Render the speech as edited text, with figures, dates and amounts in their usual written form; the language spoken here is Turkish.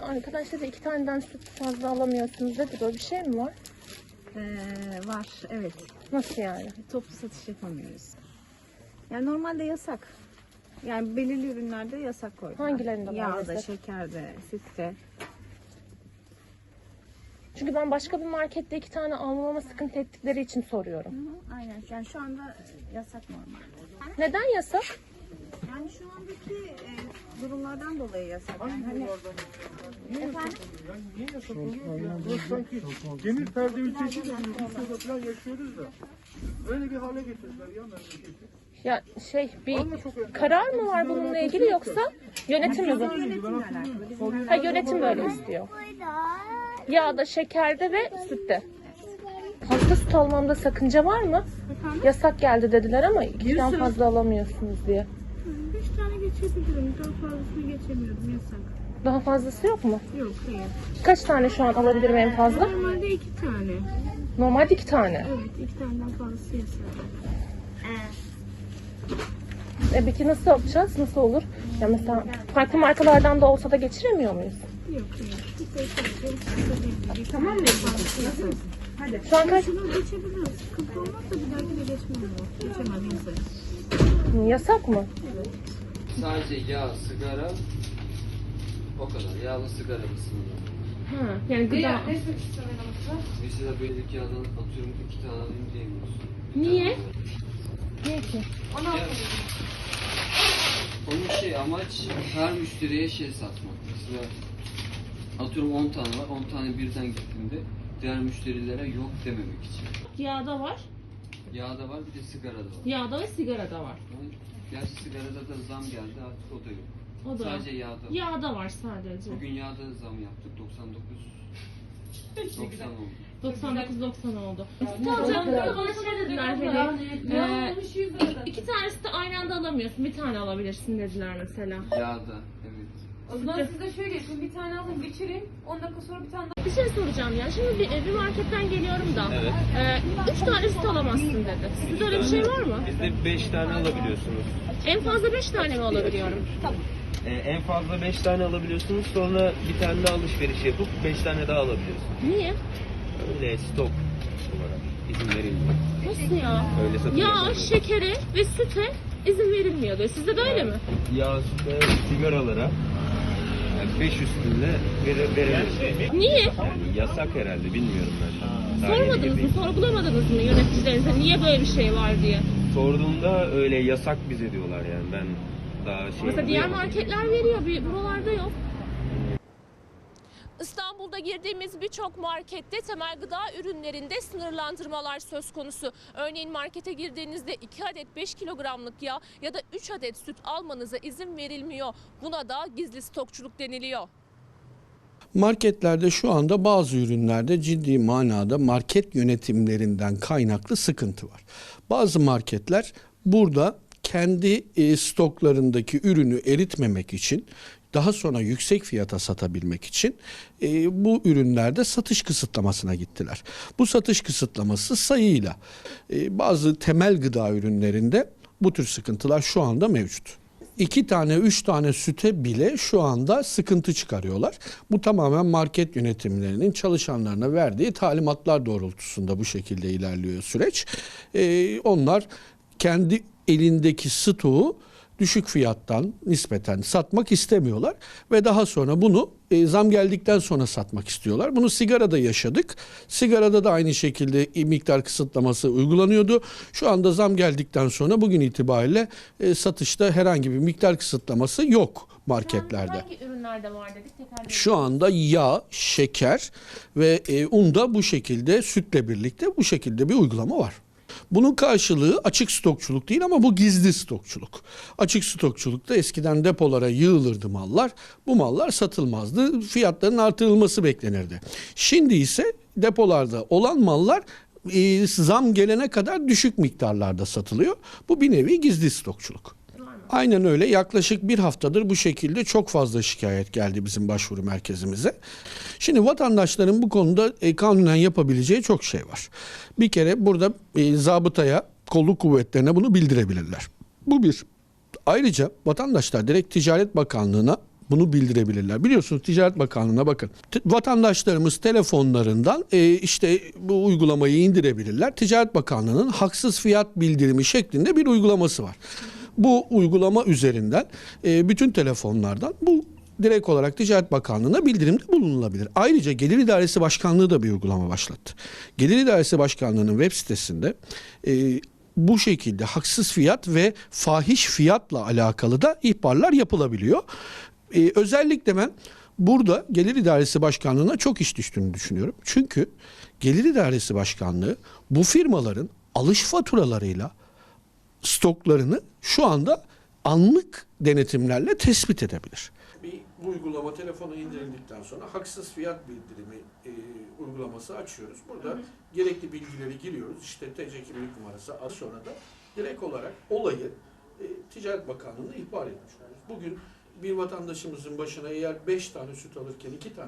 arkadaş dedi 2 taneden süt fazla alamıyorsunuz dedi. Böyle bir şey mi var? Var, evet. Nasıl yani? Toplu satış yapamıyoruz. Yani normalde yasak. Yani belirli ürünlerde yasak koydular. Hangilerinde var Yağda, mesela? şekerde, sütte. Çünkü ben başka bir markette 2 tane almama sıkıntı ettikleri için soruyorum. Aynen. Yani şu anda yasak normal. Neden yasak? Yani şu andaki durumlardan dolayı yasak. Yani hani... Efendim? Niye yasak oluyor ya? Burası sanki demir perde ülkesi de Rusya'da falan yaşıyoruz da. Öyle bir hale getirdiler ya memleketi. Ya bir Vallahi çok enteresan. karar mı var bununla ilgili yoksa yönetim mi bu? Yönetimle alakalı. Bizim Ha, yönetim böyle istiyor. Yağda, şekerde ve sütte. Fazla süt almamda sakınca var mı? Yasak geldi dediler ama 2'den fazla alamıyorsunuz diye. 5 tane geçebilirim. Daha fazlasını geçemiyorum. Yasak. Daha fazlası yok mu? Yok, hayır. Kaç tane şu an alabilirim en fazla? Normalde 2 tane. Normalde 2 tane. Evet, 2 taneden fazlası yasak. Peki nasıl yapacağız? Nasıl olur? Ya mesela farklı markalardan da olsa da geçiremiyor muyuz? Yok, hayır. Tamam mı? Hadi. Şu an kaç? Şunu geçebiliriz. Sıkıntı olmazsa bir dahaki de geçmem o. Geçemem yasak. Yasak mı? Sadece yağ, sigara o kadar. Yağlı sigara kısmında. Ha, yani gıda. Mesela belirli yağdan atıyorum 2 tane alayım diyemiyorsun. Niye? Niye ki? Ya, onun amaç her müşteriye satmak. Mesela atıyorum 10 tane var. 10 tane birden gittiğinde diğer müşterilere yok dememek için. Yağda var. Yağda var, bir de sigarada var. Yağda ve sigarada var. Yani, gerçi sigarada da zam geldi, artık o da yok. O da. Sadece yağda var. Yağda var sadece. Bugün yağda zam yaptık, 90 oldu. 99-90 oldu. Süt alacaklar bana şey dediler hani 2 tanesi de aynı anda alamıyorsun. Bir tane alabilirsin dediler mesela. Yağda, evet. O zaman siz de şöyle yapın, bir tane alın geçirin, 10 dakika sonra bir tane daha. Bir şey soracağım ya. Şimdi bir marketten geliyorum da 3 tane süt alamazsın dedi. Sizde öyle bir şey var mı? Bizde 5 tane alabiliyorsunuz. En fazla 5 tane mi alabiliyorum? En fazla 5 tane alabiliyorsunuz. Sonra bir tane daha alışveriş yapıp 5 tane daha alabiliyorsunuz. Niye? Öyle stok olarak izin verilmiyor. Nasıl ya? Öyle satılıyor. Yağ, şekere ve süte izin verilmiyor diyor. Sizde de öyle mi? Yağ, süte, sigaralara 5 üstünde verilmiyor. Niye? Yani yasak herhalde, bilmiyorum ben. Sormadınız mı? Sorgulamadınız mı yöneticilerinize niye böyle bir şey var diye? Sorduğumda öyle yasak bize diyorlar yani. Ben daha Mesela diğer duyamadım. marketler veriyor, buralarda yok. İstanbul'da girdiğimiz birçok markette temel gıda ürünlerinde sınırlandırmalar söz konusu. Örneğin markete girdiğinizde 2 adet 5 kilogramlık yağ ya da 3 adet süt almanıza izin verilmiyor. Buna da gizli stokçuluk deniliyor. Marketlerde şu anda bazı ürünlerde ciddi manada market yönetimlerinden kaynaklı sıkıntı var. Bazı marketler burada kendi stoklarındaki ürünü eritmemek için, daha sonra yüksek fiyata satabilmek için bu ürünlerde satış kısıtlamasına gittiler. Bu satış kısıtlaması sayıyla bazı temel gıda ürünlerinde bu tür sıkıntılar şu anda mevcut. 2 tane 3 tane süte bile şu anda sıkıntı çıkarıyorlar. Bu tamamen market yönetimlerinin çalışanlarına verdiği talimatlar doğrultusunda bu şekilde ilerliyor süreç. Onlar kendi elindeki stoğu düşük fiyattan nispeten satmak istemiyorlar ve daha sonra bunu zam geldikten sonra satmak istiyorlar. Bunu sigarada yaşadık. Sigarada da aynı şekilde miktar kısıtlaması uygulanıyordu. Şu anda zam geldikten sonra bugün itibariyle satışta herhangi bir miktar kısıtlaması yok marketlerde. Hangi ürünlerde var dedik? Şu anda yağ, şeker ve unda bu şekilde sütle birlikte bu şekilde bir uygulama var. Bunun karşılığı açık stokçuluk değil ama bu gizli stokçuluk. Açık stokçulukta eskiden depolara yığılırdı mallar. Bu mallar satılmazdı. Fiyatların artırılması beklenirdi. Şimdi ise depolarda olan mallar zam gelene kadar düşük miktarlarda satılıyor. Bu bir nevi gizli stokçuluk. Aynen öyle. Yaklaşık bir haftadır bu şekilde çok fazla şikayet geldi bizim başvuru merkezimize. Şimdi vatandaşların bu konuda kanunen yapabileceği çok şey var. Bir kere burada zabıtaya, kolluk kuvvetlerine bunu bildirebilirler. Bu bir. Ayrıca vatandaşlar direkt Ticaret Bakanlığı'na bunu bildirebilirler. Biliyorsunuz Ticaret Bakanlığı'na bakın. Vatandaşlarımız telefonlarından işte bu uygulamayı indirebilirler. Ticaret Bakanlığı'nın haksız fiyat bildirimi şeklinde bir uygulaması var. Bu uygulama üzerinden bütün telefonlardan bu direkt olarak Ticaret Bakanlığı'na bildirimde bulunulabilir. Ayrıca Gelir İdaresi Başkanlığı da bir uygulama başlattı. Gelir İdaresi Başkanlığı'nın web sitesinde bu şekilde haksız fiyat ve fahiş fiyatla alakalı da ihbarlar yapılabiliyor. Özellikle ben burada Gelir İdaresi Başkanlığı'na çok iş düştüğünü düşünüyorum. Çünkü Gelir İdaresi Başkanlığı bu firmaların alış faturalarıyla stoklarını şu anda anlık denetimlerle tespit edebilir. Bir uygulama telefona indirildikten sonra haksız fiyat bildirimi uygulaması açıyoruz. Burada gerekli bilgileri giriyoruz. İşte TC kimlik numarası, az sonra da direkt olarak olayı Ticaret Bakanlığı'na ihbar etmiş oluyoruz. Bugün bir vatandaşımızın başına eğer 5 tane süt alırken 2 tane